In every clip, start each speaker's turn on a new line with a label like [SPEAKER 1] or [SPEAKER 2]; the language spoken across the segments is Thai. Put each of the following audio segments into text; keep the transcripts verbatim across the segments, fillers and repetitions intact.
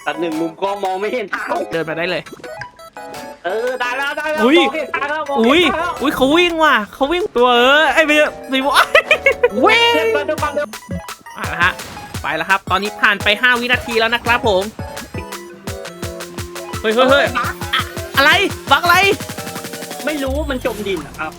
[SPEAKER 1] ตัดหนึ่งมุมกล้องมองไม่เห็นทาง
[SPEAKER 2] เดินมาได้เลย
[SPEAKER 1] เออได้แล้วได้แล้ว
[SPEAKER 2] อุ้ย
[SPEAKER 1] มองเห็นทางแล้วมอง
[SPEAKER 2] อุ้ย
[SPEAKER 1] เห็นทางแล้ว
[SPEAKER 2] อุ้ยเขาวิ่งว่ะเขาวิ่งตัวเออไอ้เบี้ยสีม่วงวิ่ง
[SPEAKER 1] เดินไปเดินไปเดิน
[SPEAKER 2] อ่ะนะฮะไปแล้วครับตอนนี้ผ่านไปห้าวินาทีแล้วนะครับผมเฮ้ยเฮ้ยเฮ้ยอะอะไรบักอะไร
[SPEAKER 1] ไม่รู้มันจมดินอะครับ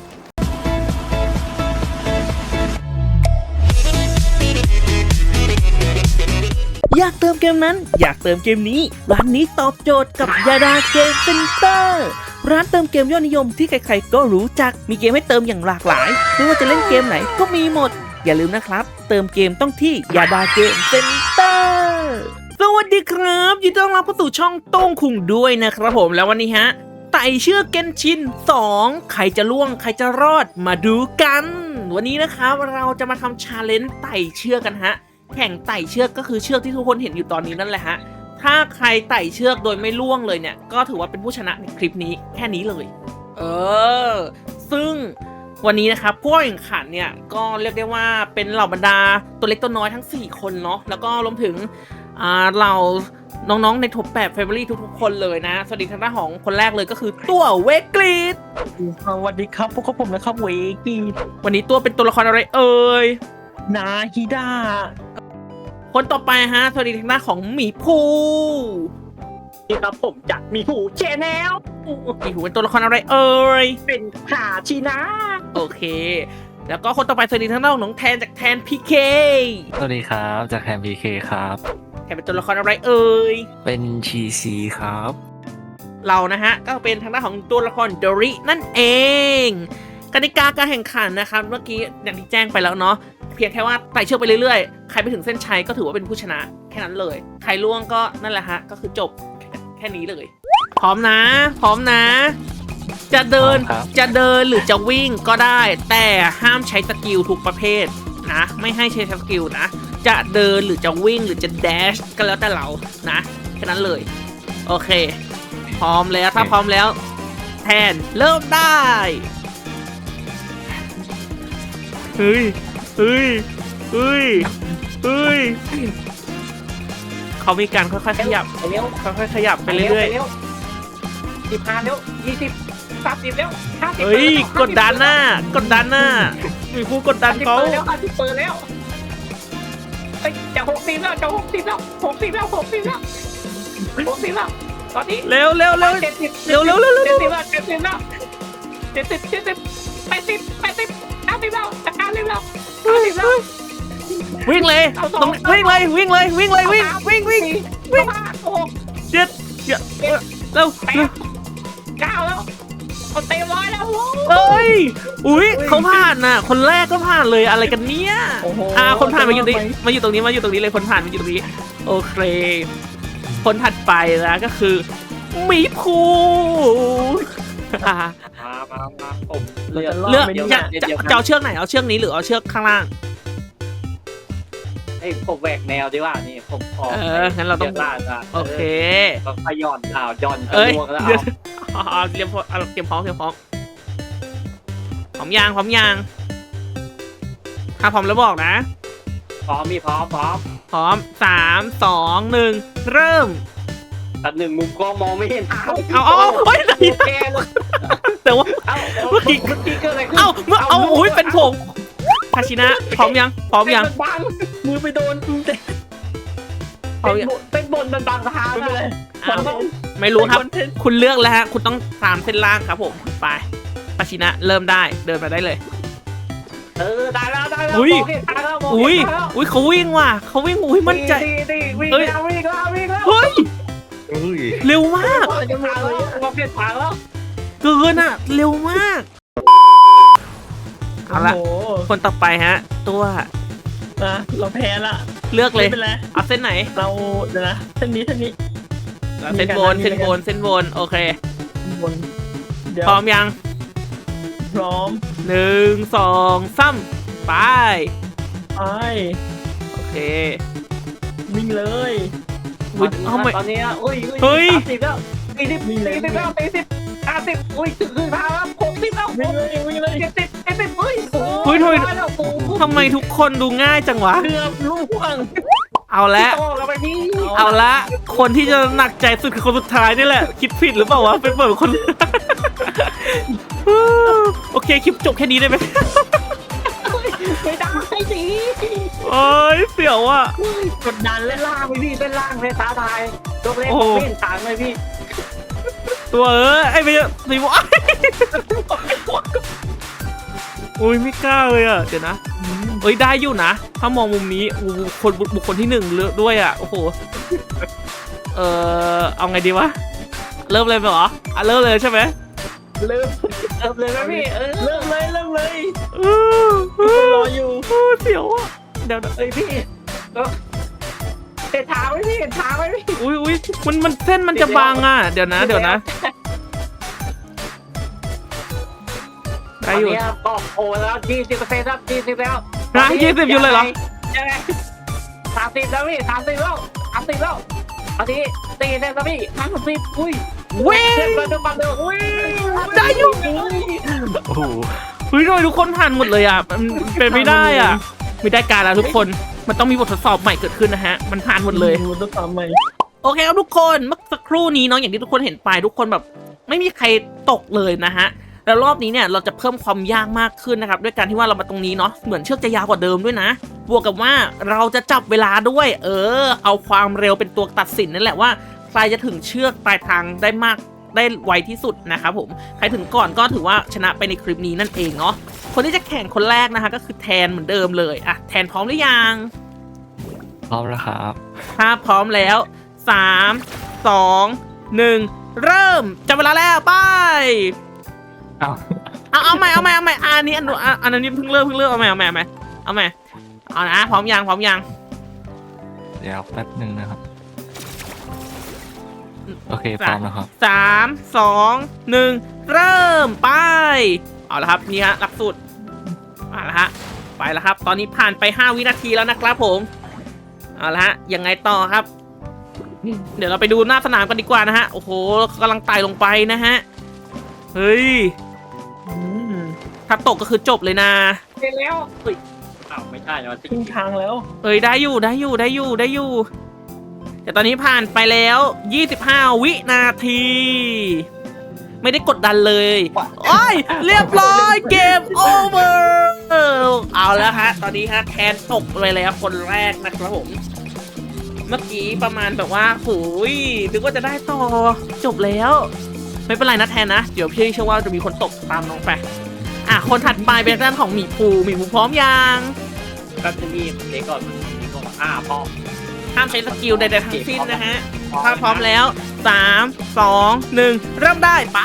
[SPEAKER 2] อยากเติมเกมนั้นอยากเติมเกมนี้ร้านนี้ตอบโจทย์กับยาดาเกมเซ็นเตอร์ร้านเติมเกมยอดนิยมที่ใครๆก็รู้จักมีเกมให้เติมอย่างหลากหลายไม่ว่าจะเล่นเกมไหนก็มีหมดอย่าลืมนะครับเติมเกมต้องที่ยาดาเกมเซ็นเตอร์สวัสดีครับยินดีต้อนรับเข้าสู่ช่องโต้งคุงด้วยนะครับผมแล้ววันนี้ฮะไต่เชือกเกนชินสองใครจะล่วงใครจะรอดมาดูกันวันนี้นะครับเราจะมาทำชาเลนจ์ไต่เชือกกันฮะแข่งไต่เชือกก็คือเชือกที่ทุกคนเห็นอยู่ตอนนี้นั่นแหละฮะถ้าใครไต่เชือกโดยไม่ล่วงเลยเนี่ยก็ถือว่าเป็นผู้ชนะในคลิปนี้แค่นี้เลยเออซึ่งวันนี้นะครับผู้แข่งขันเนี่ยก็เรียกได้ว่าเป็นเหล่าบรรดาตัวเล็กตัวน้อยทั้งสี่คนเนาะแล้วก็รวมถึงอ่าเหล่าน้องๆในท็อปแปดเฟเวอรี่ทุกๆคนเลยนะสวัสดีทางด้านของคนแรกเลยก็คือตัวเวกรีด
[SPEAKER 1] สวัสดีครับพวกผมนะครับเวกี้
[SPEAKER 2] วันนี้ตัวเป็นตัวละครอะไรเอ่ย
[SPEAKER 1] นาฮิดา
[SPEAKER 2] คนต่อไปฮะสวัสดีทางด้านของหมีภู
[SPEAKER 1] นี่ครับผมจากมีหูแชนแนล
[SPEAKER 2] หมีภูเป็นตัวละครอะไรเอ่ย
[SPEAKER 1] เป็นขาชีนะ
[SPEAKER 2] โอเค แล้วก็คนต่อไปสวัสดีทางด้านของน้องแทนจากแทนพีเค
[SPEAKER 3] สวัสดีครับจากแคมพีเคครับ
[SPEAKER 2] แทนเป็นตัวละครอะไรเอ่ย
[SPEAKER 3] เป็นชีซีครับ
[SPEAKER 2] เรานะฮะก็เป็นทางด้านของตัวละครโดรินั่นเองกติกาการแข่งขันนะครับเมื่อกี้อย่างที่แจ้งไปแล้วเนาะเพียงแค่ว่าไต่เชือกไปเรื่อยๆใครไปถึงเส้นชัยก็ถือว่าเป็นผู้ชนะแค่นั้นเลยใครล่วงก็นั่นแหละฮะก็คือจบแค่นี้เลยพร้อมนะพร้อมนะ จะเดิน
[SPEAKER 3] พร้อมครับ
[SPEAKER 2] จะเดินหรือจะวิ่งก็ได้ แต่ห้ามใช้สกิลทุกประเภทนะไม่ให้ใช้สกิลนะจะเดินหรือจะวิ่งหรือจะแดชก็แล้วแต่เรานะแค่นั้นเลยโอเคพร้อมแล้วถ้าพร้อมแล้วแทนเริ่มได้เฮ้ยเฮ้ยเฮ้ยเฮ้ยเขามีการค่อยๆขยับ
[SPEAKER 1] ไปเร็ว
[SPEAKER 2] ค่อยๆขยับไปเรื่อย
[SPEAKER 1] ๆสิบห้าเร็วยี่สิบสามสิบเร็วห้า
[SPEAKER 2] ๆ
[SPEAKER 1] สิบ
[SPEAKER 2] เฮ้ยกดดันหน้ากดดันหน้ามีผู้กดดันเขา
[SPEAKER 1] เปิดแล้วห้าสิบเปิดแล้วเฮ้ยจะหกสิบแล้วจะหกสิบแล้วหกสิบแล้วหกสิบแล้วหกสิบแล้วตอนนี้
[SPEAKER 2] เร็วเร็วเร็ว
[SPEAKER 1] เจ็ดสิบ
[SPEAKER 2] เร็วเร็วเร็วเร็ว
[SPEAKER 1] เจ็ดสิบแล้วเจ็ดสิบแล้วเจ็ดสิบเจ็ดสิบแปดสิบแปดสิบเก้าสิบแล้วจะเก้าสิบแล้วเก้าสิบแล้ว
[SPEAKER 2] วิ่งเลยตรงวิ่งเลยวิ่งเลยวิ่งเลยวิ่งวิ่งวิ่ง
[SPEAKER 1] วิ่งหก
[SPEAKER 2] เจ็ดเจ็ดเร็ว
[SPEAKER 1] แปดเก้าแล้วคนเต็มร้อยแล้ว
[SPEAKER 2] เอ้ยอุ้ยเขาผ่านน่ะคนแรกก็ผ่านเลยอะไรกันเนี้ยอ่าคนผ่านมาอยู่ตรงนี้มาอยู่ตรงนี้มาอยู่ตรงนี้เลยคนผ่านมาอยู่ตรงนี้โอเคคนถัดไปนะก็คือหมีภูอ่า
[SPEAKER 1] มามามาผมเลือก
[SPEAKER 2] เลือก
[SPEAKER 1] เดี๋ยว
[SPEAKER 2] จะ
[SPEAKER 1] เดี๋ยว
[SPEAKER 2] จะ
[SPEAKER 1] เดี๋ยว
[SPEAKER 2] จะเอาเชือกไหนเอาเชือกนี้หรือเอาเชือกข้างล่าง
[SPEAKER 1] ให้ผมแหวกแนวดีว่านี่ผมขอ
[SPEAKER 2] เอองั้นเราต้อง
[SPEAKER 1] ดี๋ยวล่าจะ
[SPEAKER 2] โอเค
[SPEAKER 1] ก็ขย่อนอ้าวย่อนกระ
[SPEAKER 2] เอ้ย
[SPEAKER 1] ลวงแล้ว
[SPEAKER 2] เดี๋ยว
[SPEAKER 1] เอา
[SPEAKER 2] เอาเอาเตรียมพร้อมเอาเตรียมพร้อมเตรียมพร้อมพร้อมยางพร้อมยางถ้าพร้อมแล้วบอกนะ
[SPEAKER 1] พร้อมมีพร้อมพร้อม
[SPEAKER 2] พร้อมสามสองหนึ่งเริ่ม
[SPEAKER 1] ตัดหนึ่งมุมกล้องมองไม่เห็นทาง
[SPEAKER 2] เอาเอาเอาเฮ้ยไหน
[SPEAKER 1] แกเลย
[SPEAKER 2] แต่ว่า
[SPEAKER 1] เอ้า
[SPEAKER 2] เมื่อกี้
[SPEAKER 1] เมื่อกี้เกิดอะไรขึ้น
[SPEAKER 2] เอาเมื่อเอาอุ้ยเป็นผมคาชินะพร้อมยังพร้อมยัง
[SPEAKER 1] เป็นบังมือไปโดน
[SPEAKER 2] พร้อม
[SPEAKER 1] เป็น
[SPEAKER 2] ยัง
[SPEAKER 1] บนเป็นบนมันบังทางเลย
[SPEAKER 2] อ้าวไม่รู้ครับ คุณเลือกแล้วฮะคุณต้องตามเส้นล่างครับผมไปคาชินะเริ่มได้เดินมาได้เลย
[SPEAKER 1] เออได้แล้วได้แล้ว
[SPEAKER 2] อุ้ย
[SPEAKER 1] มงเห็นทางแล้วมง
[SPEAKER 2] อุ้ย
[SPEAKER 1] เห็นทางแล้ว
[SPEAKER 2] อุ้ยเขาวิ่งว่ะเขาวิ่งอุ้ยมั่นใจ
[SPEAKER 1] ดีดีวิ่ง
[SPEAKER 2] เอ้ย
[SPEAKER 1] แล้ววิ่งแล้ววิ่งแล้ว
[SPEAKER 2] เฮ้ย
[SPEAKER 3] อุ้ย
[SPEAKER 2] เร็วมาก
[SPEAKER 1] มองเห็นทางแล้วมองเห็นทางแล้ว
[SPEAKER 2] เกินอ่ะเร็วมากเอาละ
[SPEAKER 4] โอ้โห
[SPEAKER 2] คนต่อไปฮะ ตัว
[SPEAKER 4] นะเราแพ้ละ
[SPEAKER 2] เลือกเลย
[SPEAKER 4] ไม่เป็นไร
[SPEAKER 2] เอาเส้นไหน
[SPEAKER 4] เราเดี๋ยวนะเส้นนี้เส้นนี้
[SPEAKER 2] เอาเส้นบน
[SPEAKER 4] มี
[SPEAKER 2] เส้น
[SPEAKER 4] กัน
[SPEAKER 2] บนเส้นบนโอเค
[SPEAKER 4] บนเดี๋ยว
[SPEAKER 2] พร้อมยัง
[SPEAKER 4] พร้อม
[SPEAKER 2] หนึ่งสองสามไป
[SPEAKER 4] ไป
[SPEAKER 2] โอเค
[SPEAKER 4] วิ่งเลย
[SPEAKER 2] อุ๊ยเอาไม่
[SPEAKER 1] ตอนนี้อุ้ย
[SPEAKER 2] เฮ้ย
[SPEAKER 1] สามสิบแล้วสี่สิบสี่สิบแล้วสี่สิบห้าสิบอุ้ยถึงครึ่งทางแล้วหกสิบแล้ว
[SPEAKER 4] วิ่งเลยวิ่งเลย
[SPEAKER 1] เจ็ดสิบเจ็ดสิบเฮ้ย
[SPEAKER 2] เฮ้ยทำไม
[SPEAKER 1] ร้อแล้วโอ้โห
[SPEAKER 2] ทำไมทุกคนดูง่ายจังวะ
[SPEAKER 4] เกือบล่วง
[SPEAKER 2] เอาละ
[SPEAKER 1] โตกันไปพี่
[SPEAKER 2] เอาละคนที่จะหนักใจสุดคือคนสุดท้ายนี่แหละ คิดผิดหรือเปล่าวะเป็นเปิดคน โอเคคลิปจบแค่นี้ได้ไหม
[SPEAKER 1] ไม่ได้สิ
[SPEAKER 2] โอ้ยเสียวอ่ะ
[SPEAKER 4] กดดัน
[SPEAKER 1] เล่
[SPEAKER 4] แล้
[SPEAKER 1] น
[SPEAKER 4] ว
[SPEAKER 1] ล่างไปพี่เล่นล่างเลยท้าทายตัวเล่น
[SPEAKER 2] โอ้
[SPEAKER 1] เล่นต่างเลยพี่
[SPEAKER 2] ตัวเออไอ้ไม่ไม่บอกอุ้ยไม่กล้าเลยอ่ะเดี๋ยวนะเอ้ยได้อยู่นะถ้ามองมุมนี้อู้คนบุคคลที่หนึ่งเลือกด้วยอ่ะโอ้โหเออเอาไงดีวะเริ่มเลยไหมเหรออ่ะเริ่มเลยใช่ไหม
[SPEAKER 4] เริ่ม
[SPEAKER 1] เริ่มเลยไหมพี่เออ
[SPEAKER 4] เริ่มเลยเริ่มเลย
[SPEAKER 2] เออเอ
[SPEAKER 4] ทุกคน
[SPEAKER 2] อ
[SPEAKER 4] รออยู่
[SPEAKER 2] เออเสียวอ่ะเดี๋ยวนะ
[SPEAKER 1] เอ้ยพี่เออเตะเท้าไว้พี่เตะเท้าไว้พี่
[SPEAKER 2] อุ้ยอุ้ยมันมันเส้นมันจะบางอ่ะเดี๋ยวนะเดี๋ยวนะได้อยู่
[SPEAKER 1] ตนนี้ก็โอ้แล้วยี่สิบเปอร์เซ็นต์ครับยี่สิบแล้ว
[SPEAKER 2] นะยี่สิบอยู่เลยเหรอ
[SPEAKER 1] ยังไงสามสิบแล้วพี่สามสิบแล้วสามสิบแล้วเอาทีตีเลยครับพี่ห้าสิบอุ้ย
[SPEAKER 2] เว้ย
[SPEAKER 1] เล่นมาดูมาดูอุ้ย
[SPEAKER 2] ได้อยู่
[SPEAKER 3] โอ้โห
[SPEAKER 2] เฮ้ยทำไมทุกคนผ่านหมดเลยอ่ะมันเป็นไม่ได้อ่ะไม่ได้การแล้วทุกคนมันต้องมีบททดสอบใหม่เกิดขึ้นนะฮะมันผ่านหมดเลย
[SPEAKER 4] ดูตัวต่อใหม่
[SPEAKER 2] โอเคครับทุกคนเมื่อสักครู่นี้เนาะอย่างที่ทุกคนเห็นไปทุกคนแบบไม่มีใครตกเลยนะฮะแล้วรอบนี้เนี่ยเราจะเพิ่มความยากมากขึ้นนะครับด้วยการที่ว่าเรามาตรงนี้เนาะเหมือนเชือกจะยาวกว่าเดิมด้วยนะบวกกับว่าเราจะจับเวลาด้วย เออ เอาความเร็วเป็นตัวตัดสินนั่นแหละว่าใครจะถึงเชือกปลายทางได้มากได้ไวที่สุดนะครับผมใครถึงก่อนก็ถือว่าชนะไปในคลิปนี้นั่นเองเนาะคนที่จะแข่งคนแรกนะคะก็คือแทนเหมือนเดิมเลยอ่ะแทนพร้อมหรือยัง
[SPEAKER 3] พร้อมแล้วครับ
[SPEAKER 2] ถ้าพร้อมแล้วสามสองหนึ่งเริ่มจับเวลาแล้วไป
[SPEAKER 3] อ้าว
[SPEAKER 2] เอาเอาใหม่เอาใหม่เอาใหม่อันนี้อันนู้นอันอันนี้เพิ่งเริ่มเพิ่งเริ่มเอาใหม่เอาใหม่เอาใหม่เอาใหม่เอานะพร้อมยังพร้อมยัง
[SPEAKER 3] เดี๋ยวแป๊บหนึ่งนะครับ โอเคพร้อมแล้วครับ
[SPEAKER 2] สามสองหนึ่งเริ่มไปเอาละครับนี่ฮะหลักสูตรมาละฮะไปแล้วครับ ตอนนี้ผ่านไปห้าวินาทีแล้วนะครับผมเอาละฮะยังไงต่อครับ เดี๋ยวเราไปดูหน้าสนามกันดีกว่านะฮะโอ้โหกำลังไต่ลงไปนะฮะเฮ้ย
[SPEAKER 4] อืม
[SPEAKER 2] ถ้าตกก็คือจบเลยนะ
[SPEAKER 1] เล่นแล้วเฮ้ยอ้าวไม่ใช่แล้ว
[SPEAKER 4] ครึ่งทางแล้ว
[SPEAKER 2] เฮ้ยได้อยู่ได้อยู่ได้อยู่ได้อยู่แต่ตอนนี้ผ่านไปแล้วยี่สิบห้าวินาที ไม่ได้กดดันเลยโอ้ยเรียบร้อยเกมโอเวอร์เอาแล้วฮะตอนนี้ฮะแทนตกเลยแล้วคนแรกนะครับผมเมื่อกี้ประมาณแบบว่าโอ้ยนึกว่าจะได้ต่อจบแล้ว ไม่เป็นไรนะแทนนะเดี๋ยวพี่เชื่อว่าจะมีคนตกตามน้องไปอ่ะคนถัดไปเป็นด้านของหมีภูหมีภูพร้อมยัง
[SPEAKER 1] ก็จะมีเด็กก่อนมีก่อนอ่าพอ
[SPEAKER 2] ห้ามใช้สกิลใดๆทั้งสิ้นนะฮะถ้าพร้อมแล้วสามสองหนึ่งเริ่มได้ไป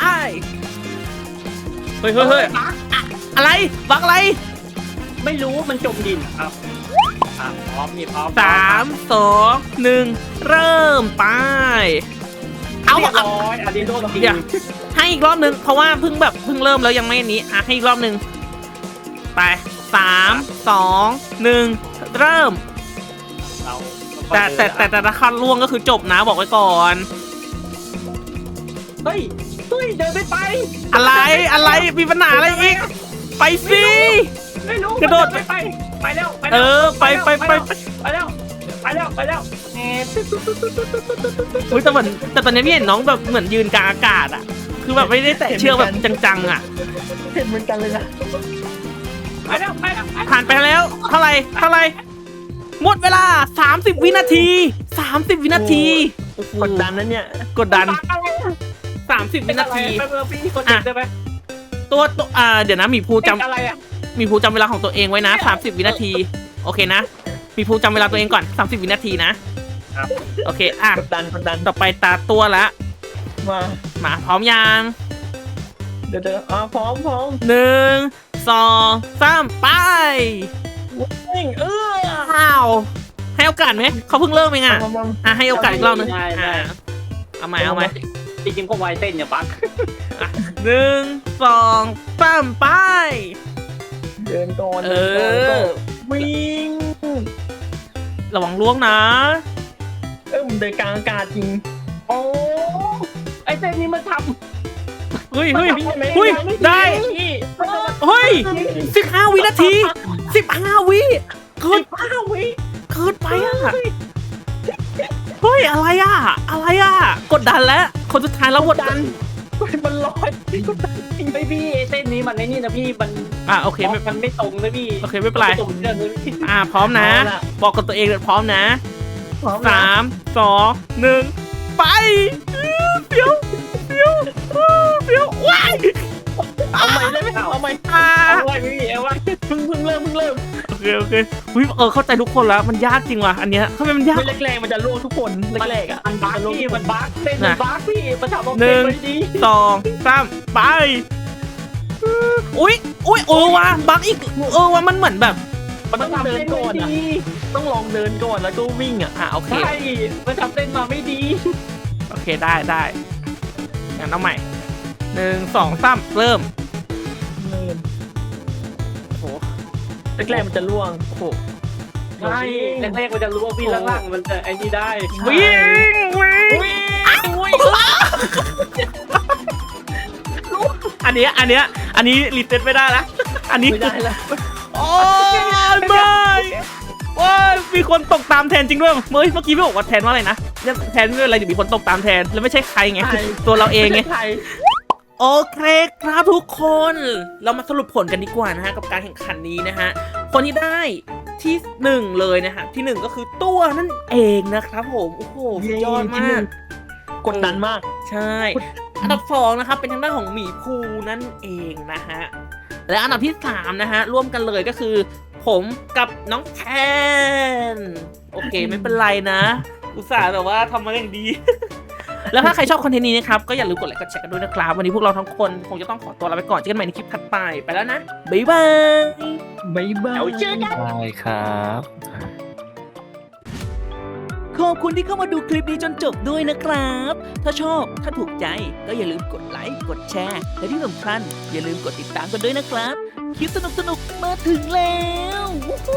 [SPEAKER 2] เฮ้ยเฮ้ยเฮ้ยอะไรบักอะไร
[SPEAKER 1] ไม่รู้มันจมดินครับอ่าพร้อมมีพร้อม
[SPEAKER 2] สามสองหนึ่งเริ่มไปเอา
[SPEAKER 1] เรียบ
[SPEAKER 2] เอา
[SPEAKER 1] ร้อยอันนี้โดนจริง
[SPEAKER 2] เดี๋ยวให้อีกรอบหนึ่งเพราะว่าเพิ่งแบบเพิ่งเริ่มแล้วยังไม่อันนี้อ่ะให้อีกรอบหนึ่งไปสามสองหนึ่งเริ่ม
[SPEAKER 1] เรา
[SPEAKER 2] แต่แต่แต่แต่ถ้าคันล่วงก็คือจบนะบอกไว้ก่อน
[SPEAKER 1] เฮ้ยเฮ้ยเดินไม่ไป
[SPEAKER 2] อะไรอะไรมีปัญหาอะไรอีกไปสิ
[SPEAKER 1] ไม่รู้
[SPEAKER 2] กระโดด
[SPEAKER 1] ไม่ไปไปแล้วไป
[SPEAKER 2] เอ
[SPEAKER 1] แล้ว
[SPEAKER 2] อไปไปไป
[SPEAKER 1] ไปแล้วไปแล้วไปแล้วแหม
[SPEAKER 2] อุ้ยแต่เหมือนแต่ตอนนี้พี่เห็นน้องแบบเหมือนยืนกลางอากาศอ่ะ คือแบบไม่ได้แตะเชือกแบบจังๆอ่ะ
[SPEAKER 4] เห็นเหมือนกันเลยนะ
[SPEAKER 1] ไปแล้วไปแล้ว
[SPEAKER 2] ผ่านไปแล้วเท่าไหร่เท่าไหร่หมดเวลาสามสิบวินาทีสามสิบวินาทีโอ้โห
[SPEAKER 4] กดดันนะเนี่ย
[SPEAKER 2] กดดันสามสิบวินาที
[SPEAKER 1] ไปเบอร์พี่คนติดได้ไหม
[SPEAKER 2] ตัวตัวอ่าเดี๋ยวนะหมีภูจำ
[SPEAKER 1] อะไรอ่ะ
[SPEAKER 2] หมีภูจำเวลาของตัวเองไว้นะสามสิบวินาทีโอเคนะหมีภูจำเวลาตัวเองก่อนสามสิบวินาทีนะครับ โอเคอ่ะ
[SPEAKER 4] กดดันกดดัน
[SPEAKER 2] ต่อไปตาตัวละ
[SPEAKER 4] มา
[SPEAKER 2] มาพร้อมยัง
[SPEAKER 4] เดี๋ยวเดี๋ยวอ่าพร้อมพร้อม
[SPEAKER 2] หนึ่งสองสามไป
[SPEAKER 4] วิ่งเออ
[SPEAKER 2] อ้าวให้โอกาสไหมเขาเพิ่งเริ่มเองอ่ะ
[SPEAKER 4] มามา
[SPEAKER 2] อ่ะให้โอกาสอีกรอบหนึงอ่ะเอาไหมเอาไหม
[SPEAKER 1] จริงๆก็ไวเต้นอย่าปัก
[SPEAKER 2] หนึ่งสองสามไป
[SPEAKER 4] เดินก่อน
[SPEAKER 2] เอ
[SPEAKER 4] เดินก่อน
[SPEAKER 2] อ
[SPEAKER 4] วิ่ง
[SPEAKER 2] ระวังล่วงนะ
[SPEAKER 4] เออมันเดินกลางอากาศจริง
[SPEAKER 1] โอ้ไอเต้นนี้มันท
[SPEAKER 2] เฮ้ยเฮ้ย
[SPEAKER 4] วิ่งไหม
[SPEAKER 2] เฮ้ยได้
[SPEAKER 4] พี่
[SPEAKER 2] เฮ้ยสิบห้าวินาทีสิบห้าวิเกิน
[SPEAKER 1] ำห้าวิ
[SPEAKER 2] เกินไปอ่ะเฮ้ยอะไรอ่ะอะไรอ่ะกดดันแล้วคนสุดท้ายแล้วกดดัน
[SPEAKER 4] มันลอยกดดันจริง
[SPEAKER 1] ไม่พี่ไอ้เส้นนี้มันไอ้นี่นะพี่มัน
[SPEAKER 2] อ่ะโอเคไม่
[SPEAKER 1] มันไม่ตรงนะพี่
[SPEAKER 2] โอเคไม่เป็นไร
[SPEAKER 1] ตรงเรื่องนึงพี่
[SPEAKER 2] อ่ะพร้อมนะ บอกกับตัวเองเลยพร้อมนะ
[SPEAKER 4] พร้อมนะ
[SPEAKER 2] สามสองหนึ่งไปเดี๋ยวเดี๋ยวเดี๋ยวว้าย
[SPEAKER 4] เอาใหม่ได้ไหมเอาใหม่
[SPEAKER 2] อ่า
[SPEAKER 1] เอาไว้พี่เอาไว้
[SPEAKER 4] เพิ่งเพิ่งเริ่มเพิ่งเริ่ม
[SPEAKER 2] โอเคโอเคอุ๊ยเออเข้าใจทุกคนแล้วมันยากจริงว่ะอันเนี้ยทำไมมันยาก
[SPEAKER 4] ไม่แรกๆมันจะล่วงทุกคนแรกๆอ่ะ
[SPEAKER 1] มันบั๊กพี่มันบั๊กเส้นมันบั๊กพี่มันทำออก
[SPEAKER 2] หนึ่ง
[SPEAKER 1] ไม่ดี
[SPEAKER 2] สองสามไปอุ้ยอุ้ยเออว่ะบักอีกเออว่ะมันเหมือนแบบ
[SPEAKER 4] มันต้องเดินก่อนอ่ะต้องลองเดินก่อนแล้วก็วิ่งอ่ะ
[SPEAKER 2] อ่ะโอเค
[SPEAKER 1] ใช่มันทำเส้นมาไม่ดี
[SPEAKER 2] โอเคได้ได้งั้นเอาใหม่หนึ่งสองสามเริ่ม
[SPEAKER 4] เริ่ม
[SPEAKER 2] โอ้โห
[SPEAKER 4] แรกๆมันจะล่วง
[SPEAKER 2] โอ้โห
[SPEAKER 1] ใช่แรกๆมันจะรู้ว่าพี่ล่างๆมันจะไอ้นี่ได้
[SPEAKER 2] วิ่งวิ่ง
[SPEAKER 4] อุ้ย
[SPEAKER 2] อันเนี้ยอันเนี้ยอันนี้รีเซ็ตไม่ได้ละอันนี้
[SPEAKER 4] ไม่ได้แล้ว
[SPEAKER 2] โอ้ยไม่ว้ายมีคนตกตามแทนจริงด้วยเมื่อเมื่อกี้ไม่บอกว่าแทนว่าอะไรนะเนี่ยแทนไม่เป็นไรเดี๋ยวมีคนตกตามแทนแล้วไม่ใช่ใครไงตัวเราเองไง
[SPEAKER 4] ใคร
[SPEAKER 2] โอเคครับทุกคน เรามาสรุปผลกันดีกว่านะฮะกับการแข่งขันนี้นะฮะคนที่ได้ที่หนึ่งเลยนะฮะที่หนึ่งก็คือตัวนั่นเองนะครับผมโอ้โหสุดยอดมาก
[SPEAKER 4] กดดันมาก
[SPEAKER 2] ใช่ อันดับสองนะครับเป็นทางด้านของหมีภูนั่นเองนะฮะและอันดับที่สามนะฮะร่วมกันเลยก็คือ ผมกับน้องแทนโอเคไม่เป็นไรนะ อุตส่าห์แบบว่าทำมาอย่างดี แล้วถ้าใครชอบคอนเทนต์นี้นะครับก็อย่าลืมกดไลค์กดแชร์กันด้วยนะครับวันนี้พวกเราทั้งคนคงจะต้องขอตัวลาไปก่อนเจอกันใหม่ในคลิปถัดไปไปแล้วนะบ๊ายบาย
[SPEAKER 4] บ๊ายบาย
[SPEAKER 1] เดี๋ยวเจอกัน
[SPEAKER 3] ได้ครับ
[SPEAKER 2] ขอบคุณที่เข้ามาดูคลิปนี้จนจบด้วยนะครับ ถ้าชอบถ้าถูกใจก็อย่าลืมกดไลค์กดแชร์และที่สำคัญอย่าลืมกดติดตามกันด้วยนะครับคลิปสนุกๆมาถึงแล้ว